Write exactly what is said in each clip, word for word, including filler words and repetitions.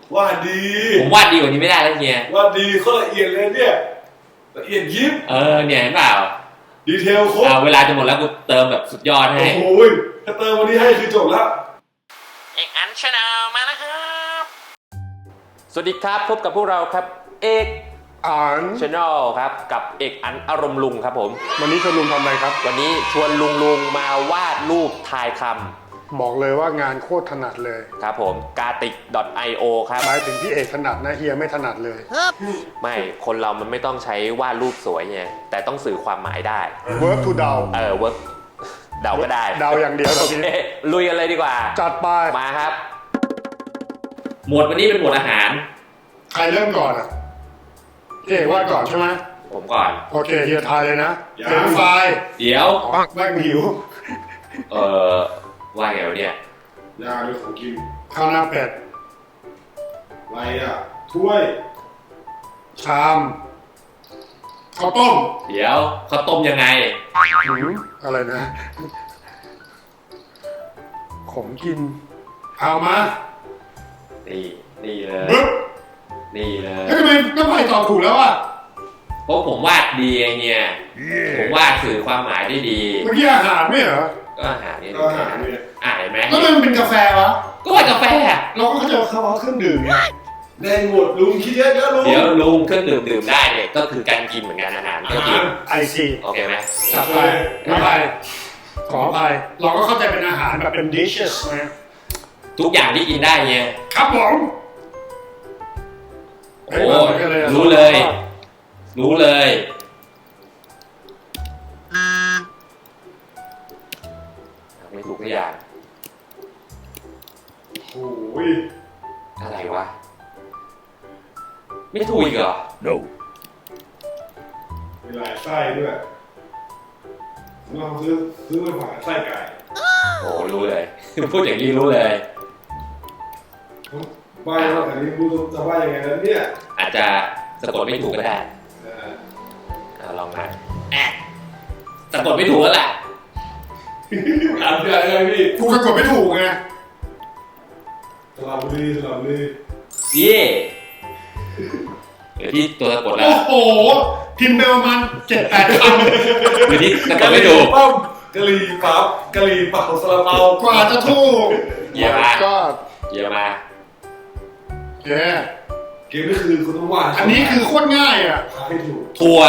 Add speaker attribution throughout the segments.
Speaker 1: วาดดี
Speaker 2: ผมวาดดีกว่านี้ไม่ได้แล้วเฮียว
Speaker 1: าดดีเขาละเอียดเลยเนี่ยละเอียดยิบ
Speaker 2: เออเนี่ยเห็นเปล่า
Speaker 1: ดีเทลครบ
Speaker 2: เวลาจะหมดแล้วกูเติมแบบสุดยอดให้
Speaker 1: โอ้ยถ้าเติมวันนี้ให้คือจบแล้ว
Speaker 2: เอกอันชาแนลมาแล้วครับสวัสดีครับพบกับพวกเราครับเอก
Speaker 3: อัน
Speaker 2: ชาแนลครับกับเอกอันอารมณ์ลุงครับผม
Speaker 3: วันนี้ชวนลุงทำอะไรครับ
Speaker 2: วันนี้ชวนลุงลุงมาวาดรูปทายคำ
Speaker 3: บอกเลยว่างานโคตรถนัดเลย
Speaker 2: ครับผม กาติก ไอ โอ ครับ
Speaker 3: หมายถึงพี่เอกถนัดนะเฮียไม่ถนัดเลย
Speaker 2: ไม่คนเรามันไม่ต้องใช้วาดรูปสวยไงแต่ต้องสื่อความหมายได้
Speaker 3: work to เดา
Speaker 2: เออ work เดาก็ได้
Speaker 3: เดาอย่างเดียวโอเค
Speaker 2: ลุยกันเลยดีกว่า
Speaker 3: จัดไป
Speaker 2: มาครับหมวดวันนี้เป็นหมวดอาหาร
Speaker 3: ใครเริ่มก่อนอ่ะพี่เอกวาดก่อนใช่ไหม
Speaker 2: ผมก่อน
Speaker 3: โอเคเฮียทายเลยนะเฟรนช์ฟราย
Speaker 2: เดี๋ยว
Speaker 3: แม่งหิว
Speaker 2: เออว่าไงวะเนี่ย
Speaker 1: ยาด้วยของกิน
Speaker 3: ข้าวหน้าเป็ด
Speaker 1: อะไรอ่ะถ้วย
Speaker 3: ชามข้าวต้ม
Speaker 2: เดี๋ยวข้าวต้มยังไง
Speaker 3: อะไรนะของกินเอามา
Speaker 2: นี่นี่เลยนี่เลย
Speaker 3: ทำไมน้ำไผ่ตอบถูกแล้วอ่ะ
Speaker 2: เพราะผมวาดดีไงเนี่ยผมวาดสื่อความหมายได้ดี
Speaker 3: เมื่อกี้อาหารไม่เหรอ
Speaker 2: ก็อาหารนี่อาหารนี่อ่านไหม
Speaker 3: แล้วมันเป็นกาแฟวะ
Speaker 2: ก็ว่ากาแฟ
Speaker 3: เราก็เข้าใจว่าเขาเอาเครื่องดื่มไง
Speaker 1: แดงหมดลุงคิดเยอะเยอะลุง
Speaker 2: เดี๋ยวลุงเครื่องดื่มดื่มได้เนี่ยก็คือการกินเหมือนกันอาหารก็กิน
Speaker 3: ไอซี
Speaker 2: โอเคไหม
Speaker 3: จับไปไม่ไปขอไปเราก็เข้าใจเป็นอาหารแบบเป็น dishes นะ
Speaker 2: ทุกอย่างที่กินได้ไง
Speaker 3: ครับผม
Speaker 2: โอ้รู้เลยรู้เลยไม่ถูกทุกอย่าง
Speaker 1: โอ้ย
Speaker 2: อะไรวะไม่ถูกอีกเหรอ
Speaker 3: no
Speaker 1: มีหลายไส้ด้วยลองซื้อซื้อมาฝากไส้ไก่
Speaker 2: โอ้รู้เลยพูดอย่างนี้รู้เลย
Speaker 1: บ้านเราแต่นี้รู้จะว่ายังไงนั้นเนี่ย
Speaker 2: อาจจะสะกดไม่ถูกก็ได้ลองนะสะกดไม่ถูกแล้วแหละ
Speaker 1: ถามพี่อะไรพี่
Speaker 3: กูสะกดไม่ถูกไง
Speaker 1: สลับบุรีสลับบุรี
Speaker 2: เย่เดี๋ยวที่ตัวสะกดแล้ว
Speaker 3: โอ้โหพิมพ์ไปประมาณเจ็ดแปดคำ
Speaker 2: เดี๋ยวที่สะกดไม่ถูก
Speaker 1: ปั๊มกะหรี่ปั๊บกะหรี่เป่าสลับเปาก
Speaker 3: ว่าจะถูก
Speaker 2: เยี่ยมมา
Speaker 3: ก็
Speaker 2: เยี่ยมมา
Speaker 3: เย้
Speaker 1: เกมนี่คือคุณต้องวาด
Speaker 3: อันนี้คือโคตรง่ายอ่ะ
Speaker 1: ให้ถูก
Speaker 2: ทัว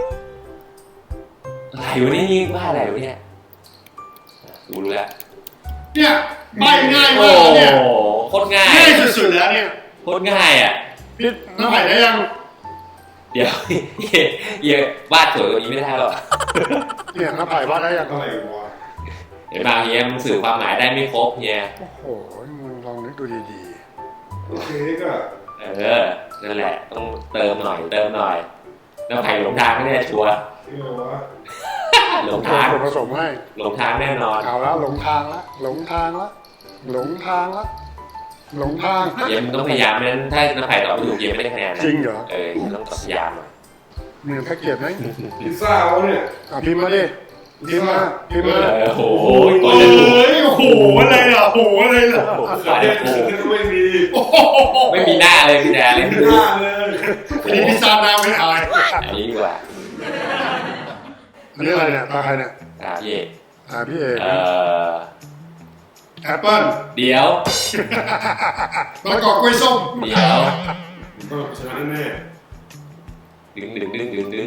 Speaker 2: อะไรวะนี่ว่าอะไรวะเนี่ยรู้แล้ว
Speaker 3: เนี่ยใบง่ายมากเนี่ย
Speaker 2: โคตรง่าย
Speaker 3: ง่ายสุดๆแล้วเนี่ย
Speaker 2: โคตรง่ายอ่ะ
Speaker 3: พี่น้ำไผ่ได้ยัง
Speaker 2: เดี๋ยวเยี่ยวาดสวยกว่านี้ไม่ได้หรอก
Speaker 3: เนี่ยน้ำไผ่วาดได้ยัง
Speaker 1: อะไรวะ
Speaker 2: เห็นบางเฮียมันสื่อความหมายได้ไม่ครบเฮีย
Speaker 3: โอ้โหมึงลองนึกดูดี
Speaker 1: ๆโอเคก็
Speaker 2: เออนั่นแหละต้องเติมหน่อยเติมหน่อยน้ำไผ่หลงทางไม่แน่ชัวร์หลงทาง
Speaker 3: ผสมให้
Speaker 2: หลงทางแน่นอน
Speaker 3: เอาแล้วหลงทางละหลงทางละหลงทางละหลงทาง
Speaker 2: เยี่ยมต้องพยายามนั้นถ้าน้ำไผ่ตอบไม่ถูกเยี่ยมไม่ได้คะแนน
Speaker 3: จริงเหรอ
Speaker 2: เออต้องพยายามหน่อย
Speaker 3: เหมือนแพ็กเกจไหม
Speaker 1: พิซซ่าวะเนี่ย
Speaker 3: อ่ะพิมพ์มาดิพิมพ์มาพิมพ์มา
Speaker 2: โอ้โห
Speaker 3: โอ้โหอะไรล่ะโอ้โหอะไรล่ะ
Speaker 1: ขาเด็ดไม่มี
Speaker 2: ไม่มีหน้าเลยพี่แดนเลย
Speaker 1: ไม่มีหน้าเลย
Speaker 3: อันนี้พิซซ่าหน้าไม่อาย
Speaker 2: อันนี้ดีกว่า
Speaker 3: อันนี้อะไรเนี่ยตาใครเนี่ย
Speaker 2: ตาพี่เอก
Speaker 3: ตาพี่เอก
Speaker 2: เอ่อ
Speaker 3: แอปเปิ้ล
Speaker 2: เดี๋ยว
Speaker 3: มะกอกกล้วยส้ม
Speaker 2: เดี๋ยว
Speaker 1: ชนะแน่
Speaker 2: ดึงดึงดึงดึงดึง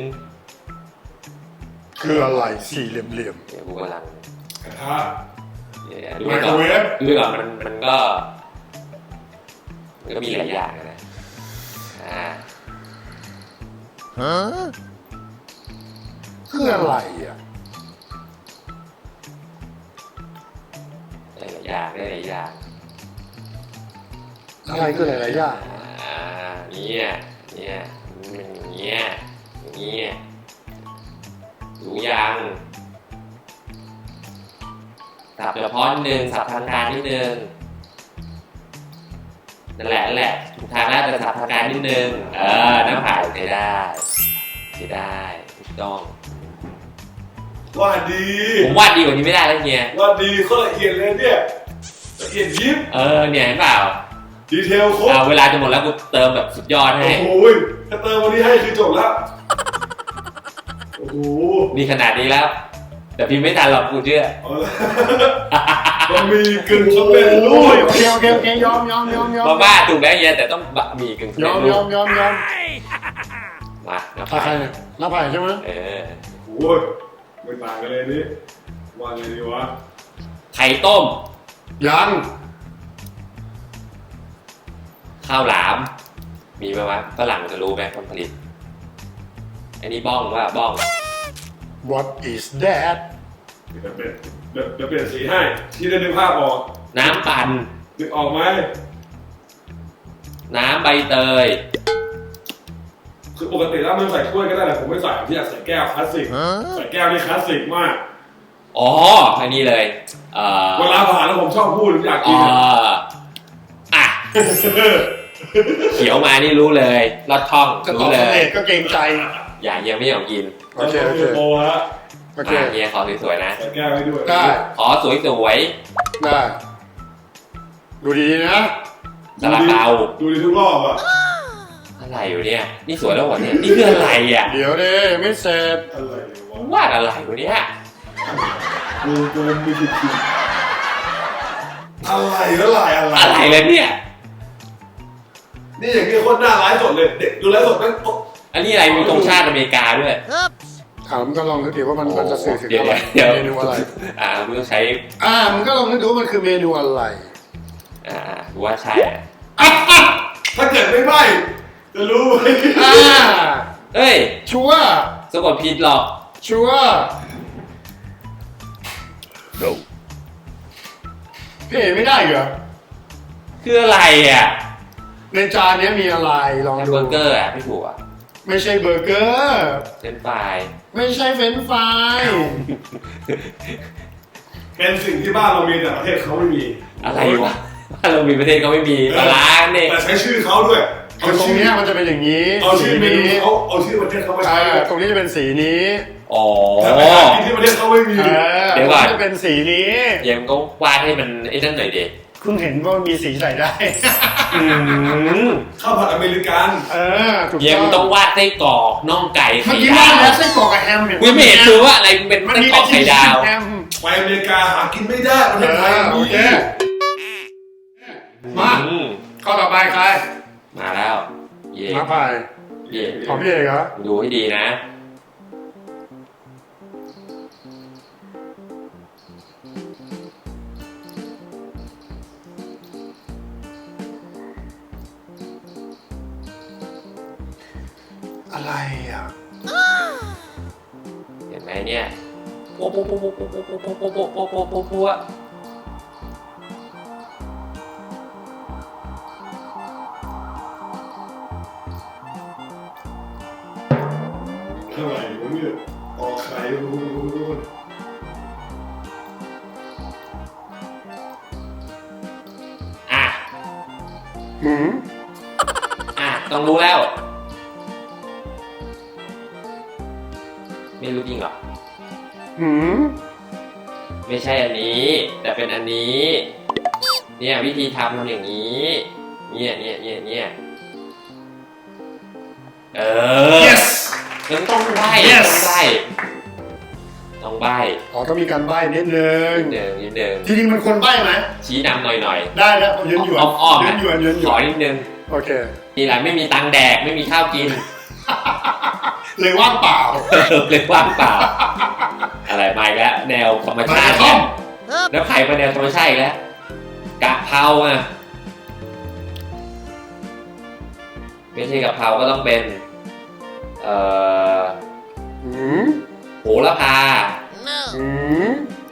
Speaker 3: คืออะไรสี่เหลี่ยมเหลี่ยม
Speaker 2: เดี๋ยวกูกำลัง
Speaker 1: กระทะ
Speaker 2: ดูก่อนดูก่อนมันมันก็มันก็มีหลายอย่างนะอ่า
Speaker 3: ฮะคืออะไรอ่ะ
Speaker 2: หลายอย่างได้หลายอย่าง
Speaker 3: อะไรคือหลายอย่าง
Speaker 2: อ่าเนี่ยเนี่ยมันอย่างเงี้ยอย่างเงี้ยดูยังสับเฉพาะนิดนึงสับทางการนิดนึงนั่นแหละนั่นแหละถูกทางแล้วแต่สับทางการนิดนึงเออน้ำผ่ายใช้ได้ใช้ได้ถูกต้อง
Speaker 1: วาดดี
Speaker 2: ผมวาดดีกว่านี้ไม่ได้แล้วเฮี
Speaker 1: ยวาดดีเขาละเอียดเลยเนี่ยละเอียดยิบ
Speaker 2: เออเนี่ยเห็นเปล่า
Speaker 1: ดีเทลครบ
Speaker 2: อ่าเวลาจะหมดแล้วกูเติมแบบสุดยอดให้
Speaker 1: โอ้โหถ้าเติมวันนี้ให้คือจบแล้วโอ้โห
Speaker 2: นี่ขนาดนี้แล้ว แต่พิมพ์ไม่ทันหรอกกูเชื่อ
Speaker 1: เอาละมันมีกึ่งสำเร็จรู
Speaker 3: โอ้ย
Speaker 1: ป
Speaker 3: โอเคโอเคโอเคยอมยอมยอมยอม
Speaker 2: มาม่าถูกแล้วเฮียแต่ต้องบะหมี่กึ่ง
Speaker 3: ยอมยอมยอมยอม
Speaker 2: มาน้ำ
Speaker 3: ใคร
Speaker 2: ไผ่
Speaker 3: เนี่ยน้าไผ่ใช่ไหม
Speaker 2: เออ
Speaker 1: โอ้ยไม่ต่างกันเลยนี่ว่าไงดีวะ
Speaker 2: ไข่ต้ม
Speaker 3: ยัง
Speaker 2: ข้าวหลาม มีไหมวะฝรั่งจะรู้ไหมคนผลิตอันนี้บ้องว่าบ้อง
Speaker 3: What is that
Speaker 1: เดี๋ยวเปลี่ยนเดี๋ยวเดี๋ยวเปลี่ยนสีให้ที่ได้นึกภาพออก
Speaker 2: น้ำปั่น
Speaker 1: นึกออกไหม
Speaker 2: น้ำใบเตย
Speaker 1: คือปกติแล้วมันใส่ถ้วยก็ได้แต่ผมไม่ใส่ผมอยากใส่แก้วคลาสสิกใส่แก้วนี่คลาสสิกมาก
Speaker 2: อ๋ออันนี้เลยเอ่อ
Speaker 1: เวลาผ่านแล้วผมชอบพูดอยาก
Speaker 2: อ๋
Speaker 1: กิ
Speaker 2: อน อ่ะเขียวมานี่รู้เลยลอดช่อง
Speaker 3: จะตอ
Speaker 2: รู้
Speaker 3: บ
Speaker 2: เล
Speaker 3: สำ
Speaker 2: ย
Speaker 3: เร็จก็เกรงใจ
Speaker 2: อย่าเฮียไม่ยอมกิน
Speaker 3: โอเคโอเค
Speaker 1: โตแล้ว
Speaker 3: โอเค
Speaker 2: มาเฮียขอสวยๆนะ
Speaker 1: ใส่แก้วไว้ด้วย
Speaker 3: ได้
Speaker 2: ขอสวย
Speaker 3: ได้ดูดีๆนะ
Speaker 2: ๆซาลาเปา
Speaker 1: ดูดีทุกรอบอ่ะ
Speaker 2: อะไรอยู่เนี่ยนี่สวยแล้วเหรอเนี่ยนี่คืออะไรอ่ะ
Speaker 3: เดี๋ยวดิไม่เสร็จ
Speaker 1: อะไรวะ
Speaker 2: วาดอะไรวะเนี่ย
Speaker 1: ดูเกินไม่คิดคิดอะไรแล้วลายอะไร
Speaker 2: อะไรเลยเนี่ย
Speaker 1: นี่อย่างนี้โคตรน่าร้ายสดเลยเด็กดูแลสดแม่ง
Speaker 2: อันนี้อะไรมีธงชาติอเมริกาด้วย
Speaker 3: ถามก็ลองนึกดิว่ามันมันจะสื่อถึง
Speaker 2: เดี๋ยว
Speaker 3: อะไร
Speaker 2: เดี๋ยว
Speaker 3: เมนูอะไร
Speaker 2: อ่ามึงต้องใช้
Speaker 3: อ่ามันก็ลองนึกดูว่ามันคือเมนูอะไร
Speaker 2: อ่าดูว่าใช่อะ
Speaker 1: ถ้าเกิดไม่ไหม้จะรู้ไหม
Speaker 3: อ่า
Speaker 2: เอ้ย
Speaker 3: ชัวร์
Speaker 2: สะกดผิดหรอก
Speaker 3: ชัวร์พี่เอ๋ไม่ได้เหรอ
Speaker 2: คืออะไรอ่ะ
Speaker 3: ในจานเนี้ยมีอะไรลอง
Speaker 2: แฮม
Speaker 3: ดู
Speaker 2: เบอร์เกอร์อ่ะไม่ถูกอ่ะ
Speaker 3: ไม่ใช่เบอร์เกอร์
Speaker 2: เป็นไฟราย
Speaker 3: ไม่ใช่เฟรนช์ฟราย
Speaker 1: เป็นสิ่งที่บ้านเรามีแต่ประเทศเขาไม่มี
Speaker 2: อะไรวะบ้านเรามีประเทศเขาไม่มีปลาร้าเนี่ย
Speaker 1: แต่ใช้ชื่อเขาด้วย
Speaker 3: คือตรงเนี้ยมันจะเป็นอย่างนี้
Speaker 1: เอาชื่อเมนู
Speaker 3: นี้
Speaker 1: เขาเอาชื่อประเทศเขามา
Speaker 3: อ่า
Speaker 1: ใช้
Speaker 3: ตรงนี้จะเป็นสีนี้
Speaker 2: อ๋อ
Speaker 1: แต่ไปหากินที่ประเทศเขาไม่มี
Speaker 3: เออ
Speaker 2: เดี๋ยวก่อน
Speaker 3: ตรงจะเป็นสีนี้
Speaker 2: เดี๋ยวมึงก็วาดให้มันไอ้นั่นหน่อยเด็ก
Speaker 3: เพิ่งเห็นว่ามันมีสีใส่ได้
Speaker 2: อืม
Speaker 3: ข้าวผัดอเมริกัน เออถูก
Speaker 2: เดี๋ยวมึง
Speaker 3: ต้
Speaker 2: ต้
Speaker 3: อ
Speaker 2: อง งวาดไส้กรอกน่องไก่
Speaker 3: เมื่
Speaker 2: ไข่
Speaker 3: อกี้
Speaker 2: ดา
Speaker 3: ว่าว แล้วไส้กรอกกับแฮมเนี่ย
Speaker 2: กูไม่เห็นคือว่าอะไรมันเป็น
Speaker 3: มัน
Speaker 2: ไส้
Speaker 3: มี
Speaker 2: กรอกไข่ดาว
Speaker 3: แฮม
Speaker 1: ไปอเมริกาหากินไม่ได้ประเท
Speaker 3: เอ
Speaker 1: ศไทย
Speaker 3: อโอ
Speaker 1: มี
Speaker 3: เคมา
Speaker 2: อืม
Speaker 3: ข้อต่อไปใคร
Speaker 2: มาแล้วเย่
Speaker 3: มาพาย
Speaker 2: เย่
Speaker 3: ของพี่เอกเหรอ
Speaker 2: ดูให้ดีนะ
Speaker 3: อะไรอ่ะ
Speaker 2: เห็นไหมเนี่ยโป๊ะโป๊ะโป๊ะโป๊ะโป๊ะโป๊ะโป๊ะโป๊ะโป๊ะโป๊ะโป๊ะโป๊ะโป๊ะ
Speaker 1: อะไรวะเนี่ยออกไข่รู้รู้รู้
Speaker 2: อ่ะ
Speaker 3: หืม
Speaker 2: อ่ะต้องรู้แล้ว ไม่รู้จริงเหรอ
Speaker 3: หืม
Speaker 2: ไม่ใช่อันนี้ แต่เป็นอันนี้ เนี่ยวิธีทำทำอย่างนี้ เนี่ยเนี่ยเนี่ยเนี่ยเออ
Speaker 3: yes
Speaker 2: ยังต้องใบ้
Speaker 3: Yes
Speaker 2: ต้องใบ้ต้องใบ้
Speaker 3: อ๋อต้องมีการใบ้นิดนึง
Speaker 2: นิดนึงนิดนึง
Speaker 3: จริงๆมันคนใบ้ไหม
Speaker 2: ชี้นำหน่อยหน่อย
Speaker 3: ได้แล้วยืนหยวน
Speaker 2: อ้อมๆ
Speaker 3: ยื
Speaker 2: นะ
Speaker 3: นหยวนยืนหย
Speaker 2: ข
Speaker 3: ว
Speaker 2: อน นิดนึง
Speaker 3: โอเค
Speaker 2: ทีหลังไม่มีตังค์แดกไม่มีข้าวกิน
Speaker 3: เลยว่างเปล่า
Speaker 2: เลยว่างเปล่า อะไรมาอีกแล้วแนวธรรมชาติ
Speaker 3: มา
Speaker 2: เนี่ยแล้วไข่มาแนวธรรมชาติอีกแล้วกะเพราอ่ะไม่ใช่กะเพราก็ต้องเป็นเอ่อ
Speaker 3: หืม
Speaker 2: โหระพา
Speaker 3: หืม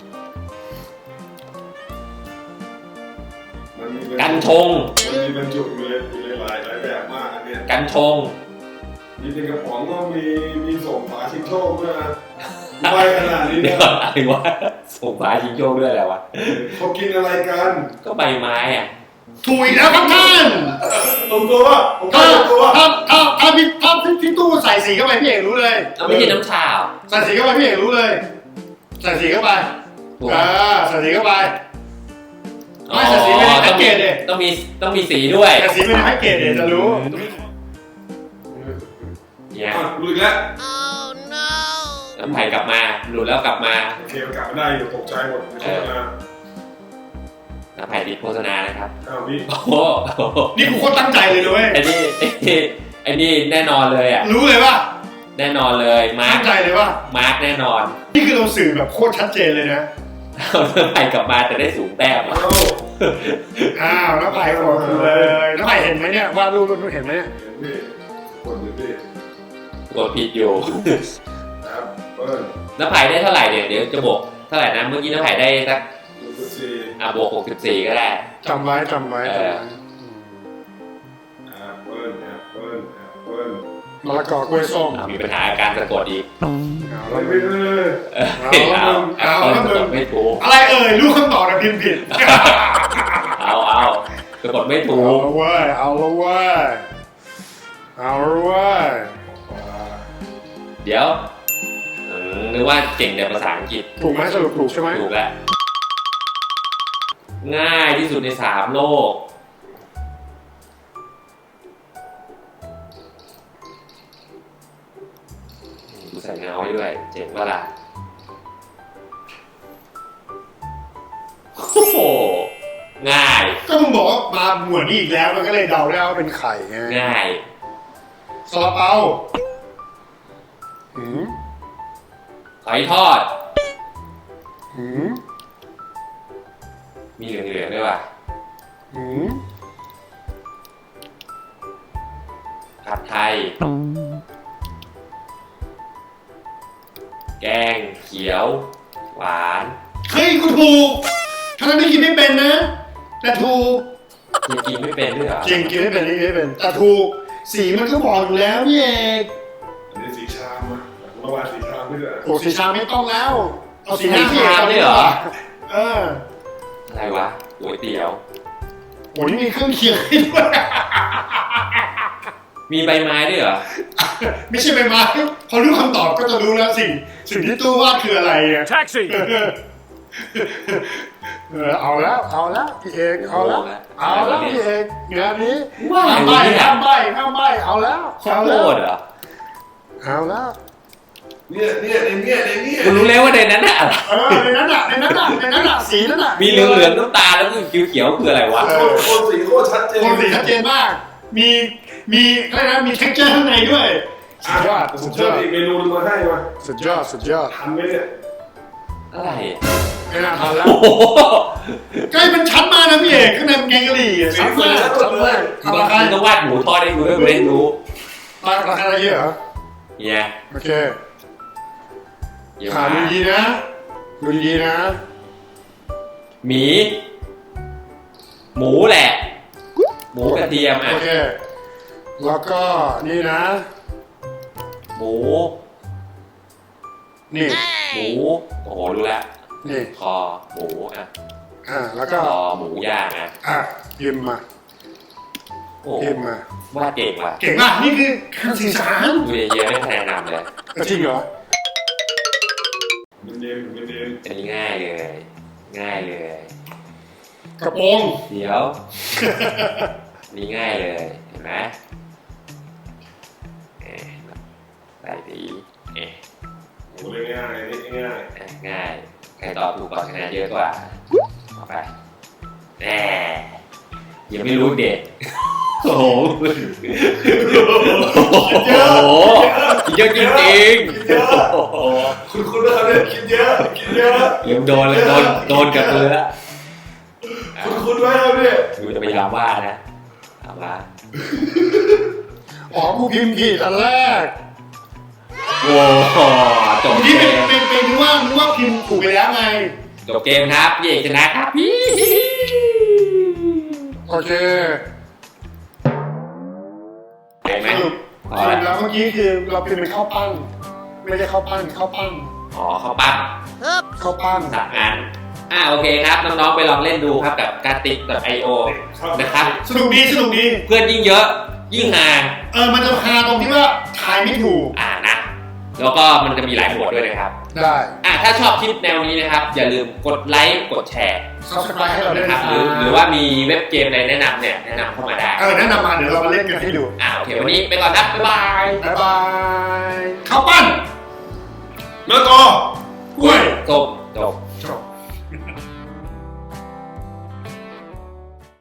Speaker 1: มันมี
Speaker 2: กัญชง
Speaker 1: มันมีบรรจุอยู่เลยอยู่ในหลายหลายแบบมากอันเนี้ย
Speaker 2: กัญชง
Speaker 1: มีเป็นกระป๋องก็มีมีส่งฝาชิงโชคด้วยนะไปขนาดนี้
Speaker 2: เดี๋ย
Speaker 1: นะ
Speaker 2: วอะไรวะส่งฝาชิงโชคด้วยอะไรวะ
Speaker 1: เขากินอะไรกัน
Speaker 2: ก็ใบไม้อ่ะ
Speaker 3: ถูกอีกแล้วครับท่าน
Speaker 1: ตรงตัวว่าผม
Speaker 3: ถ้า
Speaker 1: ตรงตัวว่า
Speaker 3: ถ้าถ้าถ้าพี่ถ้าพี่ตู้ใส่สีเข้าไปพี่เอกรู้เลย
Speaker 2: เอาไม่ใช่น้ำชาเหรอ
Speaker 3: ใส่สีเข้าไปพี่เอกรู้เลย ใส่สีเข้าไป
Speaker 2: ถูก
Speaker 3: อ่าใส่สีเข้าไปไม่แต่สีไม่ได้แพ็กเกจเลย
Speaker 2: ต้องมีต้องมีสีด้วย
Speaker 3: แต่สีไม่ได้แพ็กเกจเลยจะรู้
Speaker 2: เนี่ย
Speaker 1: อ่ะหลุดอีกแล้ว
Speaker 2: น้ำไผ่กลับมาหลุดแล้วกลับมา
Speaker 1: โอเคมันกลับมาได้อยู่ตกใจหมดในโฆษณา
Speaker 2: น้ำไผ่ติดโฆษณานะครับ
Speaker 1: อ้าวนี่
Speaker 2: โอ้โห
Speaker 3: นี่กูโคตรตั้งใจเลยด้วย
Speaker 2: ไอ้นี่ไอ้นี่ไอ้นี่แน่นอนเลยอ่ะ
Speaker 3: รู้เลยว่า
Speaker 2: แน่นอนเลยมาร์
Speaker 3: ตั้
Speaker 2: ค
Speaker 3: งใจเลยว่า
Speaker 2: มาร์คแน่นอน
Speaker 3: นี่คือเราสื่อแบบโคตรชัดเจนเลยนะ
Speaker 2: เอาน้ำไผ่กลับมาแต่ได้สูงแต้มอะ
Speaker 1: เอ้า
Speaker 3: อ้าวน้าไผ่บอกเลยน้าไผ่เห็นไหมเนี่ยว่ารูปรูปเห็นไหมเนี่ย
Speaker 1: เห็นดิกดดิดิ
Speaker 2: กดผิดอยู่
Speaker 1: ครับเปิ้ล
Speaker 2: น้ำไผ่ได้เท่าไหร่เนี่ยเดี๋ยวจะบวกเท่าไหร่นะเมื่อกี้น้ำไผ่ได้สัก
Speaker 1: ดูสิซี
Speaker 2: อ่ะบวกหกสิบสี่ก็ได้
Speaker 3: จำไว้จำไว้จำไว้
Speaker 1: แอปเปิ้ลแอปเปิ้ลแอปเปิ้ล
Speaker 3: มะละกอกล้วยส้ม
Speaker 2: อ่ะมีปัญหาการสะกดอีก
Speaker 3: เอา
Speaker 1: ไม่
Speaker 3: แล้ว
Speaker 1: ไม่ไม่
Speaker 2: เออเอาเอาเอาสะกดไม่ถูก
Speaker 3: อะไรเอ่ยรู้คำตอบแต่พิมพ์ผิด
Speaker 2: เอาเอาสะกดไม่ถู
Speaker 3: เอา
Speaker 2: ก
Speaker 3: ละเว้ยเอาละเว้ยเอาละเว้ย
Speaker 2: เดี๋ยวอืมนึกว่าเก่งแต่ภาษาอังกฤษ
Speaker 3: ถูกไหมสรุปถูกใช่ไหม
Speaker 2: ถูกแล้วง่ายที่สุดในสามโลกดูใส่เงาให้ด้วยเจ๋งว่าล่ะโอ้โหง่าย
Speaker 3: ก็มึงบอกว่ามาหมวดนี้อีกแล้วมันก็เลยเดาได้ว่าเป็นไข่ไง
Speaker 2: ง่าย
Speaker 3: ซาลาเปาหืม
Speaker 2: หอยทอด
Speaker 3: หืม
Speaker 2: มีเหลืองๆด้วยว่ะ
Speaker 3: หืม
Speaker 2: ผัดไทย แกงเขียว หวาน
Speaker 3: เฮ้ยกูถูกทั้งที่กินไม่เป็นนะแต่ถูก
Speaker 2: ยังกินไม่เป็นด้วยเหรอ
Speaker 3: จริงกินไม่เป็นกินไม่เป็นแต่ถูกสีมันก็บอกอยู่แล้วพี่เอก
Speaker 1: อันนี้สีชามอ่ะเมื่อวานสีชามไม่ด้วย
Speaker 3: โอ้สีชาไม่ต้องแล้วเอาสีห
Speaker 2: มี
Speaker 3: น้าพี่เอก
Speaker 2: ชามด้วยเหรอ
Speaker 3: เออ
Speaker 2: อะไรวะก๋วยเตี๋ยว
Speaker 3: โอ้ยมีเครื่องเคียงให้ด้วย
Speaker 2: มีใบไม้ด้วยเหรอ
Speaker 3: ไม่ใช่ใบไม้พอรู้คำตอบก็จะรู้แล้วสิ่งสิ่งที่ตู้วาดคืออะไรเนี่ย
Speaker 4: Taxi!
Speaker 3: เออเอาแล้วเอาแล้วพี่เอกเอาแล้วเอาแล้วพี่เอกงานนี้
Speaker 2: ว่า
Speaker 3: ห้าม
Speaker 2: ไง
Speaker 3: ใบ
Speaker 2: เนี่ย
Speaker 3: ห้ามใบห้ามใบเอาแล้ว
Speaker 2: ข้าว
Speaker 3: เอา
Speaker 2: โพ
Speaker 3: แล้ว
Speaker 2: ดเหรอ
Speaker 3: เอาแล้ว
Speaker 1: เนี่ยเนี่ยในเนี่ยในเนี่ย
Speaker 2: คุณรู้แล้วว่าในนั้นน่ะ
Speaker 3: เออในนั้นอ่ะในนั้นอ่ะในนั้นอ่ะสีนั้นอ่ะ
Speaker 2: มีเหลืองเหลืองๆน้ำตาลแล้วก็เขียวๆคืออะไรวะ
Speaker 1: โคตรโคตรสีโคตรชัดเจน
Speaker 3: โคนสีชัดเจนมาก มีมีอะไรนะมี texture ข้างในด้วยสุดยอด
Speaker 1: ผม
Speaker 3: สุด
Speaker 1: เชื่
Speaker 3: ย
Speaker 1: อ
Speaker 3: อด
Speaker 1: อีกเมนูนึงมาให้มา
Speaker 3: สุดยอดสุดยอด
Speaker 1: ทันไหมเนี่ย
Speaker 2: อะไร
Speaker 3: ไม่น่าทันแล้ว
Speaker 2: โอ้โห
Speaker 3: ใกล้เป็นชั้นมานะพี่เอกข้างในเป็นแกงกะหรี่อะชั้นมากชั้นมากเอา
Speaker 2: มึ
Speaker 3: ราคาง
Speaker 2: ก็วาดหมูทอดให้ดูด้วยกูได้รู้
Speaker 3: ราคาอะไรเยอะเหรอ
Speaker 2: เนี่ย
Speaker 3: โอเค
Speaker 2: เดี๋ยว
Speaker 3: หา
Speaker 2: มา
Speaker 3: ดูดีนะดูดีนะ
Speaker 2: หมี หมูแหละ หมูกระเทียมอ่ะ
Speaker 3: โอเคแล้วก็นี่นะ
Speaker 2: หมู
Speaker 3: นี่
Speaker 2: หมู โอ้โหรู้แล้ว
Speaker 3: นี่
Speaker 2: คอหมูอ่ะ
Speaker 3: อ่าแล้ว
Speaker 2: ค
Speaker 3: ก็
Speaker 2: อหมูย่างอ่ะ
Speaker 3: อ่ะพิมพ์มา
Speaker 2: โอ้โห
Speaker 3: พิมพ์มาว
Speaker 2: าดเก่งว่ะ
Speaker 3: เก่งมากนี่คือคำสื่อสาร
Speaker 2: ดูเยอะๆไม่คะแนนนำเลย
Speaker 3: จริงเหรอ
Speaker 1: มันเย็นมันเย็น
Speaker 2: อันนี้ง่ายเลย ง่ายเลย
Speaker 3: กระโปรง
Speaker 2: เดี๋ยวอันนี่ง่ายเลย เห็นไหมเอ๊ะใส่สีเอ๊ะ
Speaker 1: โอ้ยง่ายนี่ง่าย
Speaker 2: อ่ะง่าย ใครตอบถูกก่อนคะแนนเยอะกว่าต่อไปแน่ยังไม่รู้เด็กโอ้โหโอ้โหเยอะจริงๆโอ้โห
Speaker 1: คุณคุณนะครับเนี่ยกินเยอะกินเยอะ
Speaker 2: ยังโดนเลยโดนโดนกับมือแล้ว
Speaker 1: คุณคุณไว้ครับเนี่ย
Speaker 2: ดูจะพยายามว่านะถามว่า
Speaker 3: อ๋อกูพิมพ์ผิดอันแรก
Speaker 2: โอ้โหจบ
Speaker 3: นี่
Speaker 2: เก
Speaker 3: เป็น
Speaker 2: ม
Speaker 3: เป็นเป็นนึกว่านึกว่าพิมพ์ถูกไปแล้วไง
Speaker 2: จบเกมครับพี่เอกชนะครับพี่
Speaker 3: โอเค
Speaker 2: เห็นไหม
Speaker 3: สรุป
Speaker 2: พอ
Speaker 3: สรุ
Speaker 2: แล้ว
Speaker 3: ปแล้วเมื่อกี้คือเราพิมพ์เป็นข้าวปั้นไม่ใช่ข้าวปั้นข้าวปั้น
Speaker 2: อ๋อเขาปั้น
Speaker 3: ข้าวปั้น
Speaker 2: สักงานอ่าโอเคครับน้องๆไปลองเล่นดูครับกับการติกกับไอโอนะครับ
Speaker 3: สนุกดีสนุกดี
Speaker 2: เพื่อนยิ่งเยอะยิ่งห่าง
Speaker 3: เออมันจะฮาตรงที่ว่าทายไม่ถูก
Speaker 2: อ่านะ แล้วก็มันจะมีหลายโหมดด้วยนะครับ
Speaker 3: ได้
Speaker 2: อ่ะถ้าชอบคลิปแนวนี้นะครับอย่าลืมกดไลค์กดแชร์
Speaker 3: subscribe ให้เราด้วย
Speaker 2: นะ
Speaker 3: นะ
Speaker 2: ค
Speaker 3: ค
Speaker 2: รั
Speaker 3: รั
Speaker 2: บบ หรือหรือว่ามีเว็บเกมอะไรแนะนำเนี่ยแนะนำเข้ามาได้
Speaker 3: เออแนะนำมาเดี๋ยวเรามาเล่นกันให้ดู
Speaker 2: อ่าโอเควันนี้ไปก่อนนะบ๊ายบาย
Speaker 3: บ๊ายบายข้าวปั้น
Speaker 1: มะละกอ
Speaker 3: กล้วย
Speaker 2: จบจบ
Speaker 3: จบ